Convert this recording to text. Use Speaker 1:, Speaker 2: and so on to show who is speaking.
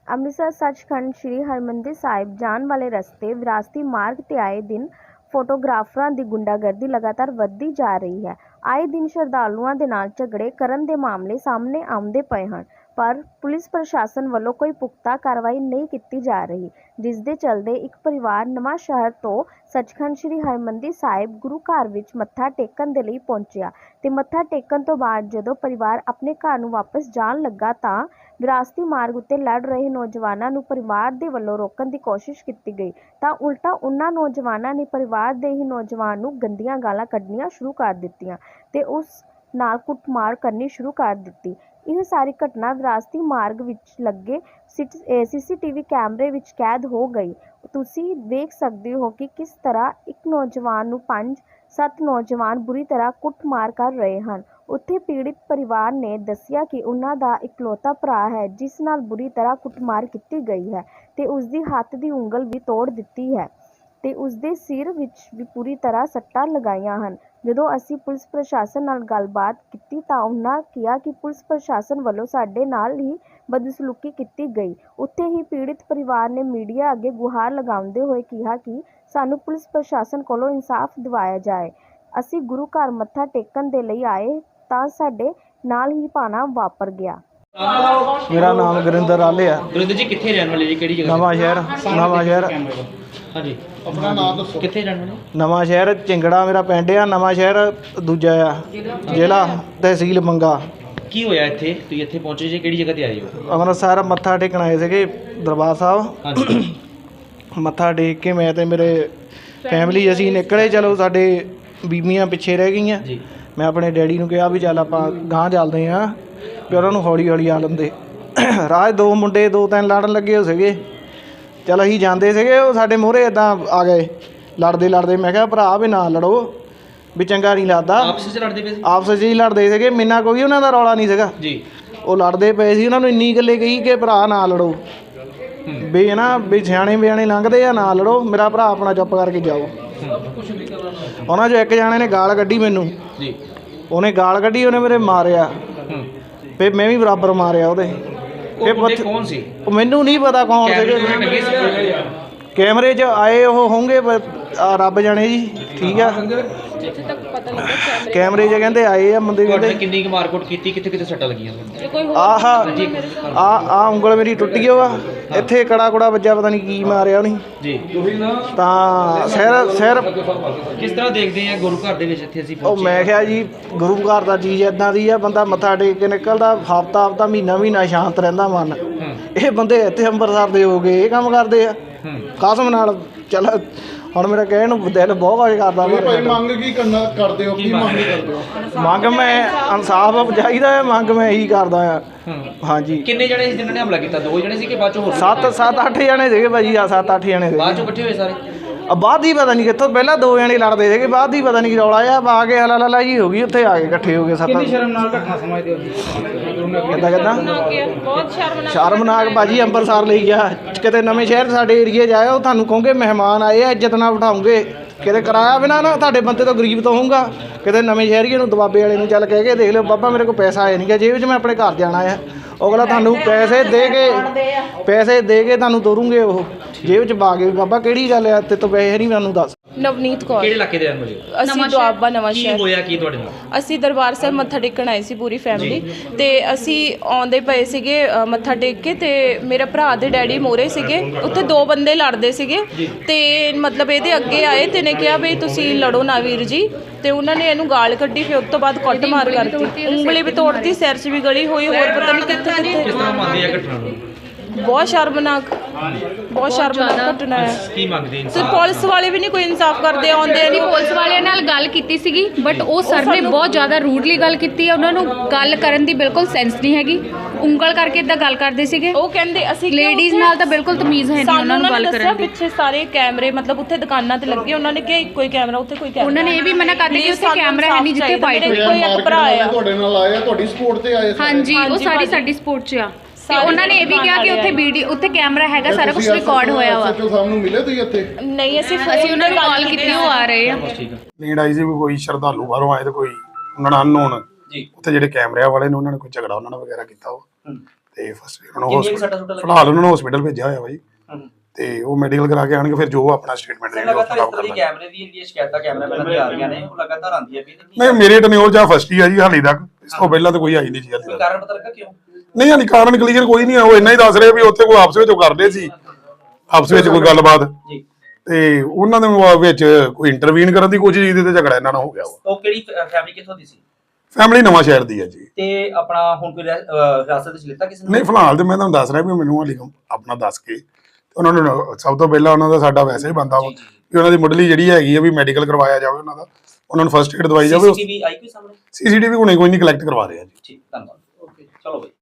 Speaker 1: ਅੰਮ੍ਰਿਤਸਰ ਸੱਚਖੰਡ ਸ੍ਰੀ ਹਰਿਮੰਦਰ ਸਾਹਿਬ ਜਾਣ ਵਾਲੇ ਰਸਤੇ ਵਿਰਾਸਤੀ ਮਾਰਗ ਤੇ ਆਏ ਦਿਨ ਫੋਟੋਗ੍ਰਾਫਰਾਂ ਦੀ ਗੁੰਡਾਗਰਦੀ ਲਗਾਤਾਰ ਵੱਧਦੀ ਜਾ ਰਹੀ ਹੈ। ਆਏ ਦਿਨ ਸ਼ਰਧਾਲੂਆਂ ਦੇ ਨਾਲ ਝਗੜੇ ਕਰਨ ਦੇ ਮਾਮਲੇ ਸਾਹਮਣੇ ਆਉਂਦੇ ਪਏ ਹਨ, ਪਰ ਪੁਲਿਸ ਪ੍ਰਸ਼ਾਸਨ ਵੱਲੋਂ ਕੋਈ ਪੁਖਤਾ ਕਾਰਵਾਈ ਨਹੀਂ ਕੀਤੀ ਜਾ ਰਹੀ, ਜਿਸ ਦੇ ਚੱਲਦੇ ਇੱਕ ਪਰਿਵਾਰ ਨਵਾਂ ਸ਼ਹਿਰ ਤੋਂ ਸੱਚਖੰਡ ਸ੍ਰੀ ਹਰਿਮੰਦਰ ਸਾਹਿਬ ਗੁਰੂ ਘਰ ਵਿੱਚ ਮੱਥਾ ਟੇਕਣ ਦੇ ਲਈ ਪਹੁੰਚਿਆ ਤੇ ਮੱਥਾ ਟੇਕਣ ਤੋਂ ਬਾਅਦ ਜਦੋਂ ਪਰਿਵਾਰ ਆਪਣੇ ਘਰ ਨੂੰ ਵਾਪਸ ਜਾਣ ਲੱਗਾ ਤਾਂ ਵਿਰਾਸਤੀ ਮਾਰਗ ਉੱਤੇ ਲੜ ਰਹੇ ਨੌਜਵਾਨਾਂ ਨੂੰ ਪਰਿਵਾਰ ਦੇ ਵੱਲੋਂ ਰੋਕਣ ਦੀ ਕੋਸ਼ਿਸ਼ ਕੀਤੀ ਗਈ ਤਾਂ ਉਲਟਾ ਉਨ੍ਹਾਂ ਨੌਜਵਾਨਾਂ ਨੇ ਪਰਿਵਾਰ ਦੇ ਹੀ ਨੌਜਵਾਨ ਨੂੰ ਗੰਦੀਆਂ ਗਾਲਾਂ ਕੱਢਣੀਆਂ ਸ਼ੁਰੂ ਕਰ ਦਿੱਤੀਆਂ ਤੇ ਉਸ ਨਾਲ ਕੁੱਟਮਾਰ ਕਰਨੀ ਸ਼ੁਰੂ ਕਰ ਦਿੱਤੀ। ਇਹ ਸਾਰੀ ਘਟਨਾ ਵਿਰਾਸਤੀ ਮਾਰਗ ਵਿੱਚ ਲੱਗੇ CCTV ਕੈਮਰੇ ਵਿੱਚ ਕੈਦ ਹੋ ਗਈ। ਤੁਸੀਂ ਵੇਖ ਸਕਦੇ ਹੋ ਕਿ ਕਿਸ ਤਰ੍ਹਾਂ ਇੱਕ ਨੌਜਵਾਨ ਨੂੰ 5-7 ਨੌਜਵਾਨ ਬੁਰੀ ਤਰ੍ਹਾਂ ਕੁੱਟਮਾਰ ਕਰ ਰਹੇ ਹਨ। ਉੱਥੇ ਪੀੜਿਤ ਪਰਿਵਾਰ ਨੇ ਦੱਸਿਆ ਕਿ ਉਹਨਾਂ ਦਾ ਇਕਲੌਤਾ ਭਰਾ ਹੈ ਜਿਸ ਨਾਲ ਬੁਰੀ ਤਰ੍ਹਾਂ ਕੁੱਟਮਾਰ ਕੀਤੀ ਗਈ ਹੈ ਤੇ ਉਸ ਦੀ ਹੱਥ ਦੀ ਉਂਗਲ ਵੀ ਤੋੜ ਦਿੱਤੀ ਹੈ ਤੇ ਉਸ ਦੇ ਸਿਰ ਵਿੱਚ ਵੀ ਪੂਰੀ ਤਰ੍ਹਾਂ ਸੱਟਾਂ ਲਗਾਈਆਂ ਹਨ। ਜਦੋਂ ਅਸੀਂ ਪੁਲਿਸ ਪ੍ਰਸ਼ਾਸਨ ਨਾਲ ਗੱਲਬਾਤ ਕੀਤੀ ਤਾਂ ਉਹਨਾਂ ਕਿਹਾ ਕਿ ਪੁਲਿਸ ਪ੍ਰਸ਼ਾਸਨ ਵੱਲੋਂ ਸਾਡੇ ਨਾਲ ਹੀ ਬਦਸਲੂਕੀ ਕੀਤੀ ਗਈ। ਉੱਥੇ ਹੀ ਪੀੜਿਤ ਪਰਿਵਾਰ ਨੇ ਮੀਡੀਆ ਅੱਗੇ ਗੁਹਾਰ ਲਗਾਉਂਦੇ ਹੋਏ ਕਿਹਾ ਕਿ ਸਾਨੂੰ ਪੁਲਿਸ ਪ੍ਰਸ਼ਾਸਨ ਕੋਲੋਂ ਇਨਸਾਫ ਦਿਵਾਇਆ ਜਾਏ। ਅਸੀਂ ਗੁਰੂ ਘਰ ਮੱਥਾ ਟੇਕਣ ਦੇ ਲਈ ਆਏ ਤਾਂ ਸਾਡੇ ਨਾਲ ਹੀ ਭਾਣਾ ਵਾਪਰ ਗਿਆ।
Speaker 2: ਮੇਰਾ ਨਾਮ ਗੁਰਿੰਦਰ ਆਲੇ ਆ।
Speaker 3: ਗੁਰਿੰਦਰ ਜੀ ਕਿੱਥੇ ਰਹਿਣ ਵਾਲੇ ਜੀ, ਕਿਹੜੀ ਜਗ੍ਹਾ?
Speaker 2: ਨਵਾਂ ਸ਼ਹਿਰ
Speaker 3: ਹਾਂਜੀ, ਆਪਣਾ ਨਾਮ ਦੱਸੋ। ਕਿੱਥੇ ਰਹਿਣ ਵਾਲੇ?
Speaker 2: ਨਵਾਂ ਸ਼ਹਿਰ ਚਿੰਗੜਾ ਮੇਰਾ ਪਿੰਡ ਆ। ਨਵਾਂ ਸ਼ਹਿਰ ਦੂਜਾ ਆ, ਜ਼ਿਲ੍ਹਾ ਤਹਿਸੀਲ ਮੰਗਾ।
Speaker 3: ਕੀ ਹੋਇਆ ਇੱਥੇ? ਤੁਸੀਂ ਇੱਥੇ ਪਹੁੰਚੇ ਜੀ, ਕਿਹੜੀ ਜਗ੍ਹਾ ਤੇ ਆਏ ਹੋ?
Speaker 2: ਅੰਮ੍ਰਿਤਸਰ ਮੱਥਾ ਟੇਕਣ ਆਏ ਸੀਗੇ ਦਰਬਾਰ ਸਾਹਿਬ।
Speaker 3: ਹਾਂਜੀ।
Speaker 2: ਮੱਥਾ ਟੇਕ ਕੇ ਮੈਂ ਤੇ ਮੇਰੇ ਫੈਮਿਲੀ ਅਸੀਂ ਨਿਕਲੇ। ਚਲੋ ਸਾਡੇ ਬੀਬੀਆਂ ਪਿੱਛੇ ਰਹਿ ਗਈਆਂ।
Speaker 3: ਜੀ।
Speaker 2: ਮੈਂ ਆਪਣੇ ਡੈਡੀ ਨੂੰ ਕਿਹਾ ਵੀ ਚੱਲ ਆਪਾਂ ਗਾਂਹ ਚੱਲਦੇ ਹਾਂ, ਵੀ ਉਹਨਾਂ ਨੂੰ ਹੌਲੀ ਹੌਲੀ ਆ ਲੈਂਦੇ। ਰਾਜ 2 ਮੁੰਡੇ 2-3 ਲੜਨ ਲੱਗੇ ਹੋ ਸੀਗੇ। ਚਲ ਅਸੀਂ ਜਾਂਦੇ ਸੀਗੇ, ਉਹ ਸਾਡੇ ਮੂਹਰੇ ਇੱਦਾਂ ਆ ਗਏ ਲੜਦੇ ਲੜਦੇ। ਮੈਂ ਕਿਹਾ ਭਰਾ ਵੀ ਨਾ ਲੜੋ, ਵੀ ਚੰਗਾ ਨਹੀਂ ਲੱਗਦਾ।
Speaker 3: ਆਪਸ ਵਿੱਚ ਲੜਦੇ ਪਏ ਸੀ?
Speaker 2: ਆਪਸ 'ਚ ਹੀ ਲੜਦੇ ਸੀਗੇ, ਮੇਨਾ ਕੋਈ ਉਹਨਾਂ ਦਾ ਰੌਲਾ ਨਹੀਂ ਸੀਗਾ
Speaker 3: ਜੀ।
Speaker 2: ਉਹ ਲੜਦੇ ਪਏ ਸੀ। ਉਹਨਾਂ ਨੂੰ ਇੰਨੀ ਗੱਲੇ ਕਹੀ ਕਿ ਭਰਾ ਨਾ ਲੜੋ, ਵੀ ਹੈ ਨਾ, ਵੀ ਸਿਆਣੇ ਬਿਆਣੇ ਲੰਘਦੇ ਆ, ਨਾ ਲੜੋ, ਮੇਰਾ ਭਰਾ ਆਪਣਾ ਚੁੱਪ ਕਰਕੇ ਜਾਓ। ਉਹਨਾਂ 'ਚੋਂ ਇੱਕ ਜਾਣੇ ਨੇ ਗਾਲ ਕੱਢੀ ਮੈਨੂੰ।
Speaker 3: ਜੀ।
Speaker 2: ਉਹਨੇ ਗਾਲ ਕੱਢੀ, ਉਹਨੇ ਮੇਰੇ ਮਾਰਿਆ, ਫਿਰ ਮੈਂ ਵੀ ਬਰਾਬਰ ਮਾਰਿਆ ਉਹਦੇ।
Speaker 3: ਕੌਣ ਸੀ?
Speaker 2: ਉਹ ਮੈਨੂੰ ਨਹੀਂ ਪਤਾ ਕੌਣ ਸੀਗੇ। ਕੈਮਰੇ 'ਚ ਆਏ ਉਹ ਹੋਣਗੇ ਰੱਬ ਜਾਣੇ ਜੀ। ਠੀਕ ਆ, ਕੈਮਰੇ 'ਚ ਕਹਿੰਦੇ ਆਏ ਆ ਬੰਦੇ। ਕਹਿੰਦੇ
Speaker 3: ਕਿੰਨੀ ਕੁ ਮਾਰਕੁੱਟ ਕੀਤੀ? ਕਿੱਥੇ ਕਿੱਥੇ ਸੱਟਾਂ ਲੱਗੀਆਂ?
Speaker 2: ਆਹ ਉਂਗਲ ਮੇਰੀ ਟੁੱਟ ਗਈ ਵਾ, ਇੱਥੇ ਕੜਾ ਕੁੜਾ ਵੱਜਾ, ਪਤਾ ਨਹੀਂ ਕੀ ਮਾਰਿਆ ਉਹਨੇ
Speaker 3: ਜੀ।
Speaker 2: ਤਾਂ ਸਿਰ
Speaker 3: ਕਿਸ ਤਰ੍ਹਾਂ ਦੇਖਦੇ ਆ ਗੁਰੂ ਘਰ ਦੇ ਵਿੱਚ ਇੱਥੇ ਅਸੀਂ
Speaker 2: ਉਹ ਮੈਂ ਕਿਹਾ ਜੀ ਗੁਰੂ ਘਰ ਦਾ ਚੀਜ਼ ਇੱਦਾਂ ਦੀ ਆ, ਬੰਦਾ ਮੱਥਾ ਟੇਕ ਕੇ ਨਿਕਲਦਾ ਹਫ਼ਤਾ ਮਹੀਨਾ ਸ਼ਾਂਤ ਰਹਿੰਦਾ ਮਨ। ਇਹ ਬੰਦੇ ਇੱਥੇ ਅੰਮ੍ਰਿਤਸਰ ਦੇ ਹੋ ਗਏ, ਇਹ ਕੰਮ ਕਰਦੇ ਆ ਕਸਮ ਨਾਲ। ਚੱਲ ਹੁਣ ਮੇਰਾ ਕਹਿਣ ਨੂੰ ਦਿਲ ਬਹੁਤ ਕੁਝ ਕਰਦਾ।
Speaker 4: ਮੰਗ ਕੀ ਕਰਦੇ ਹੋ? ਕੀ ਮੰਗ ਕਰਦੇ ਹੋ?
Speaker 2: ਮੰਗ ਮੈਂ ਇਨਸਾਫ ਚਾਹੀਦਾ ਹੈ, ਮੰਗ ਮੈਂ ਇਹੀ ਕਰਦਾ ਆ। ਹਾਂਜੀ।
Speaker 3: ਕਿੰਨੇ ਜਣੇ ਸੀ ਜਿਨ੍ਹਾਂ ਨੇ ਹਮਲਾ ਕੀਤਾ? 2 ਜਣੇ ਸੀ ਕਿ ਬਾਅਦ ਚੋਂ ਹੋਰ?
Speaker 2: 7-8 ਜਣੇ ਸੀਗੇ ਭਾਜੀ। 7-8 ਜਣੇ ਸੀਗੇ।
Speaker 3: ਬਾਅਦ ਚੋਂ ਇਕੱਠੇ ਹੋਏ ਸਾਰੇ?
Speaker 2: ਬਾਅਦ ਹੀ ਪਤਾ ਨਹੀਂ ਕਿੱਥੋਂ, ਪਹਿਲਾਂ 2 ਜਣੇ ਲੜਦੇ ਸੀਗੇ, ਬਾਅਦ ਹੀ ਪਤਾ ਨਹੀਂ ਕੀ ਰੌਲਾ ਆ ਕੇ ਹਲਾ ਜੀ ਹੋ ਗਈ। ਉੱਥੇ ਆ ਕੇ ਇਕੱਠੇ ਹੋ ਗਏ 7।
Speaker 3: ਕਿੰਨੀ ਸ਼ਰਮਨਾਕ ਘਟਨਾ ਸਮਝਦੇ ਹੋ?
Speaker 2: ਕਿੱਦਾਂ ਸ਼ਰਮਨਾਕ ਭਾਜੀ। ਅੰਮ੍ਰਿਤਸਰ ਲਈ ਗਿਆ, ਕਿਤੇ ਨਵੇਂ ਸ਼ਹਿਰ ਸਾਡੇ ਏਰੀਏ 'ਚ ਆਇਆ, ਉਹ ਤੁਹਾਨੂੰ ਕਹੋਗੇ ਮਹਿਮਾਨ ਆਏ ਆ, ਇੱਜ਼ਤ ਨਾਲ ਬਿਠਾਉਂਗੇ। ਕਿਤੇ ਕਿਰਾਇਆ ਬਿਨਾ ਨਾ ਤੁਹਾਡੇ ਬੰਦੇ ਤੋਂ ਗਰੀਬ ਤੋਂ ਹੋਊਗਾ। ਕਿਤੇ ਨਵੇਂ ਸ਼ਹਿਰੀਏ ਨੂੰ ਦਬਾਬੇ ਵਾਲੇ ਨੂੰ ਚੱਲ ਕਹਿ ਕੇ ਦੇਖ ਲਿਓ, ਬਾਬਾ ਮੇਰੇ ਕੋਲ ਪੈਸਾ ਆਇਆ ਨਹੀਂ ਗਾ ਜੇਬ 'ਚ, ਮੈਂ ਆਪਣੇ ਘਰ ਜਾਣਾ ਆ। ਅਗਲਾ ਤੁਹਾਨੂੰ ਪੈਸੇ ਦੇ ਕੇ ਤੁਹਾਨੂੰ ਤੋਰੂਗੇ, ਉਹ ਜੇਬ 'ਚ ਪਾ ਕੇ। ਬਾਬਾ ਕਿਹੜੀ ਗੱਲ ਆ, ਤੇ ਤੋਂ ਪੈਸੇ ਨਹੀਂ ਮੈਨੂੰ ਦੱਸ।
Speaker 5: ਨਵਨੀਤ ਕੌਰ।
Speaker 3: ਕਿਹੜੇ ਇਲਾਕੇ ਦੇ ਰਹਿਣ ਵਾਲੇ?
Speaker 5: ਅਸੀਂ ਦੁਆਬਾ ਨਵਾਂ ਸ਼ਹਿਰ।
Speaker 3: ਕੀ ਹੋਇਆ ਕੀ ਤੁਹਾਡੇ ਨਾਲ?
Speaker 5: ਅਸੀਂ ਦਰਬਾਰ ਸਾਹਿਬ ਮੱਥਾ ਟੇਕਣ ਆਏ ਸੀ ਪੂਰੀ ਫੈਮਿਲੀ, ਤੇ ਅਸੀਂ ਆਉਂਦੇ ਪਏ ਸੀਗੇ ਮੱਥਾ ਟੇਕ ਕੇ, ਤੇ ਮੇਰੇ ਭਰਾ ਦੇ ਡੈਡੀ ਮੋਰੇ ਸੀਗੇ। ਉੱਥੇ 2 ਬੰਦੇ ਲੜਦੇ ਸੀਗੇ, ਤੇ ਮਤਲਬ ਇਹਦੇ ਅੱਗੇ ਆਏ ਤੇ ਨੇ ਕਿਹਾ ਵੀ ਤੁਸੀਂ ਲੜੋ ਨਾ ਵੀਰ ਜੀ, ਤੇ ਉਹਨਾਂ ਨੇ ਇਹਨੂੰ ਗਾਲ ਕੱਢੀ। ਫਿਰ ਉਸ ਤੋਂ ਬਾਅਦ ਕੁੱਟ ਮਾਰ ਕਰਤੀ, ਉਂਗਲੀ ਵੀ ਤੋੜਤੀ, ਸਿਰ 'ਚ ਵੀ ਗਲੀ ਹੋਈ, ਹੋਰ ਪਤਾ ਨਹੀਂ ਕਿੱਥੇ
Speaker 3: ਕਿਸ ਤਰ੍ਹਾਂ ਮੰਨਦੇ ਆ ਘਟਨਾ ਨੂੰ?
Speaker 5: ਬਹੁਤ ਸ਼ਰਮਨਾਕ ਘਟਨਾ ਹੈ।
Speaker 3: ਕੀ ਮੰਗਦੇ?
Speaker 5: ਤੇ ਪੁਲਿਸ ਵਾਲੇ ਵੀ ਨਹੀਂ ਕੋਈ ਇਨਸਾਫ ਕਰਦੇ। ਆਉਂਦੇ ਨਹੀਂ।
Speaker 6: ਪੁਲਿਸ ਵਾਲਿਆਂ ਨਾਲ ਗੱਲ ਕੀਤੀ ਸੀਗੀ, ਬਟ ਉਹ ਸਰ ਨੇ ਬਹੁਤ ਜ਼ਿਆਦਾ ਰੂਡਲੀ ਗੱਲ ਕੀਤੀ ਹੈ। ਉਹਨਾਂ ਨੂੰ ਗੱਲ ਕਰਨ ਦੀ ਬਿਲਕੁਲ ਸੈਂਸ ਨਹੀਂ ਹੈਗੀ, ਉਂਗਲ ਕਰਕੇ ਇਦਾਂ ਗੱਲ ਕਰਦੇ ਸੀਗੇ।
Speaker 5: ਉਹ ਕਹਿੰਦੇ ਅਸੀਂ
Speaker 6: ਲੇਡੀਜ਼ ਨਾਲ ਤਾਂ ਬਿਲਕੁਲ ਤਮੀਜ਼ ਹੈ ਨਹੀਂ ਉਹਨਾਂ ਨੂੰ ਗੱਲ ਕਰਨ ਦੀ।
Speaker 5: ਪਿੱਛੇ ਸਾਰੇ ਕੈਮਰੇ ਮਤਲਬ ਉੱਥੇ ਦੁਕਾਨਾਂ ਤੇ ਲੱਗੇ, ਉਹਨਾਂ ਨੇ ਕਿਹਾ ਇੱਕੋ ਹੀ ਕੈਮਰਾ, ਉੱਥੇ ਕੋਈ ਕੈਮਰਾ।
Speaker 6: ਉਹਨਾਂ ਨੇ ਇਹ ਵੀ ਮਨਾ ਕਰ ਦਿੱਤਾ ਕਿ ਉੱਥੇ ਕੈਮਰਾ ਹੈ ਨਹੀਂ ਜਿੱਥੇ ਫਾਈਟ ਹੋਈ।
Speaker 5: ਕੋਈ ਇੱਕ ਭਰਾ ਆ
Speaker 4: ਤੁਹਾਡੇ ਨਾਲ ਆਇਆ, ਤੁਹਾਡੀ ਸਪੋਰਟ ਤੇ ਆਏ?
Speaker 6: ਹਾਂਜੀ, ਉਹ ਸਾਡੀ ਸਪੋਰਟ 'ਚ ਆ। ਤੇ ਉਹਨਾਂ ਨੇ ਇਹ ਵੀ ਕਿਹਾ ਕਿ ਉੱਥੇ ਕੈਮਰਾ ਹੈਗਾ, ਸਾਰਾ ਕੁਝ ਰਿਕਾਰਡ ਹੋਇਆ ਵਾ।
Speaker 4: ਸਾਨੂੰ ਮਿਲੇ ਤੁਸੀਂ ਇੱਥੇ?
Speaker 5: ਨਹੀਂ, ਅਸੀਂ
Speaker 6: ਉਹਨਾਂ ਨੂੰ ਕਾਲ ਕੀਤੀ, ਉਹ ਆ ਰਹੇ ਆ।
Speaker 4: ਨੀਂਦ ਆਈ ਸੀ, ਕੋਈ ਸ਼ਰਧਾਲੂ ਬਾਹਰੋਂ ਆਏ ਤੇ ਕੋਈ ਉਹਨਾਂ ਨਾਲ ਅਨਨੋਨ ਉੱਥੇ ਜਿਹੜੇ ਕੈਮਰਿਆਂ ਵਾਲੇ ਨੇ ਉਹਨਾਂ ਨੇ ਕੋਈ ਝਗੜਾ ਉਹਨਾਂ ਨਾਲ ਵਗੈਰਾ ਕੀਤਾ। ਉਹ ਤੇ ਫਸਟ ਉਹਨਾਂ ਨੂੰ
Speaker 7: ਕਿੰਨੀਆਂ ਕੁ ਸੱਟਾਂ ਸੁੱਟਾਂ
Speaker 4: ਹਸਪੀਟਲ ਫਿਲਹਾਲ ਉਹਨਾਂ ਨੂੰ ਹਸਪੀਟਲ ਭੇਜਿਆ ਹੋਇਆ ਬਾਈ
Speaker 7: ਹੂੰ।
Speaker 4: ਤੇ ਉਹ ਮੈਡੀਕਲ ਕਰਾ ਕੇ ਆਣਗੇ ਫਿਰ ਜੋ ਆਪਣਾ ਸਟੇਟਮੈਂਟ ਦੇਣਗੇ ਉਹ
Speaker 7: ਲਗਾਤਾਰ ਇਸ
Speaker 4: ਖਰਾਬ
Speaker 7: ਤਰ੍ਹਾਂ ਦੀ
Speaker 4: ਕਰਨਾ।
Speaker 7: ਕੈਮਰੇ ਦੀ ਜਿਹੜੀਆਂ ਸ਼ਿਕਾਇਤਾਂ ਕੈਮਰਾਮੈਨਾਂ ਦੀ ਆ ਰਹੀਆਂ ਨੇ ਉਹ ਲਗਾਤਾਰ ਆਉਂਦੀਆਂ ਵੀ
Speaker 4: ਨਹੀਂ ਮੇਰੇ ਟਨਿਓਰ ਜਾਂ ਫਸਟ ਹੀ ਆ ਜੀ ਹਾਲੇ ਤੱਕ, ਇਸ ਤੋਂ ਪਹਿਲਾਂ ਤਾਂ ਕੋਈ ਆਈ ਨਹੀਂ ਜੀ ਹਾਲੇ
Speaker 7: ਕੋਈ
Speaker 4: ਤੱਕ।
Speaker 7: ਕਾਰਨ ਪਤਾ ਲੱਗਾ ਕਿਉਂ?
Speaker 4: ਨਹੀਂ ਹਾਲੇ ਕਾਰਨ ਕਲੀਅਰ ਕੋਈ ਨਹੀਂ ਆ, ਉਹ ਇੰਨਾ ਹੀ ਦੱਸ ਰਹੇ ਵੀ ਉੱਥੇ ਕੋਈ ਆਪਸ ਵਿੱਚ ਉਹ ਕਰਦੇ ਸੀ, ਆਪਸ ਵਿੱਚ ਕੋਈ ਗੱਲਬਾਤ
Speaker 7: ਜੀ।
Speaker 4: ਤੇ ਉਹਨਾਂ ਦੇ ਵਿੱਚ ਕੋਈ ਇੰਟਰਵੀਨ ਕਰਨ ਦੀ ਕੋਸ਼ਿਸ਼ ਕੀਤੀ ਤੇ ਝਗੜਾ ਇਹਨਾਂ ਨਾਲ ਹੋ ਗਿਆ ਵਾ।
Speaker 7: ਉਹ ਕਿਹੜੀ ਫੈਮਿਲੀ ਕਿੱਥੋਂ ਦੀ ਸੀ
Speaker 4: ਫੈਮਿਲੀ ਨਵਾਂ ਸ਼ਹਿਰ ਦੀ ਹੈ ਜੀ।
Speaker 7: ਤੇ ਆਪਣਾ ਹੁਣ ਕੋਈ ਹਿਰਾਸਤ ਵਿੱਚ ਲਿੱਤਾ ਕਿਸੇ ਨੇ?
Speaker 4: ਨਹੀਂ ਫਿਲਹਾਲ ਤੇ ਮੈਂ ਤੁਹਾਨੂੰ ਦੱਸ ਰਿਹਾ ਵੀ ਮੈਨੂੰ ਹਾਲੇ ਆਪਣਾ ਦੱਸ ਕੇ ਉਹਨਾਂ ਨੂੰ ਸਭ ਤੋਂ ਪਹਿਲਾਂ ਉਹਨਾਂ ਦਾ ਸਾਡਾ ਵੈਸੇ ਹੀ ਬੰਦਾ ਵਾ ਕਿ ਉਹਨਾਂ ਦੀ ਮੁੱਢਲੀ ਜਿਹੜੀ ਹੈਗੀ ਆ ਵੀ ਮੈਡੀਕਲ ਕਰਵਾਇਆ ਜਾਵੇ ਉਹਨਾਂ ਦਾ, ਉਹਨਾਂ ਨੂੰ ਫਸਟ ਏਡ ਦਵਾਈ ਜਾਵੇ।
Speaker 7: ਸੀਸੀਟੀਵੀ ਆਈ ਕੋਈ ਸਾਹਮਣੇ?
Speaker 4: ਸੀਸੀਟੀਵੀ ਹੁਣੇ ਕੋਈ ਨਹੀਂ ਕਲੈਕਟ ਕਰਵਾ ਰਹੇ ਆ ਜੀ।
Speaker 7: ਠੀਕ, ਧੰਨਵਾਦ। ਓਕੇ, ਚਲੋ ਬਈ।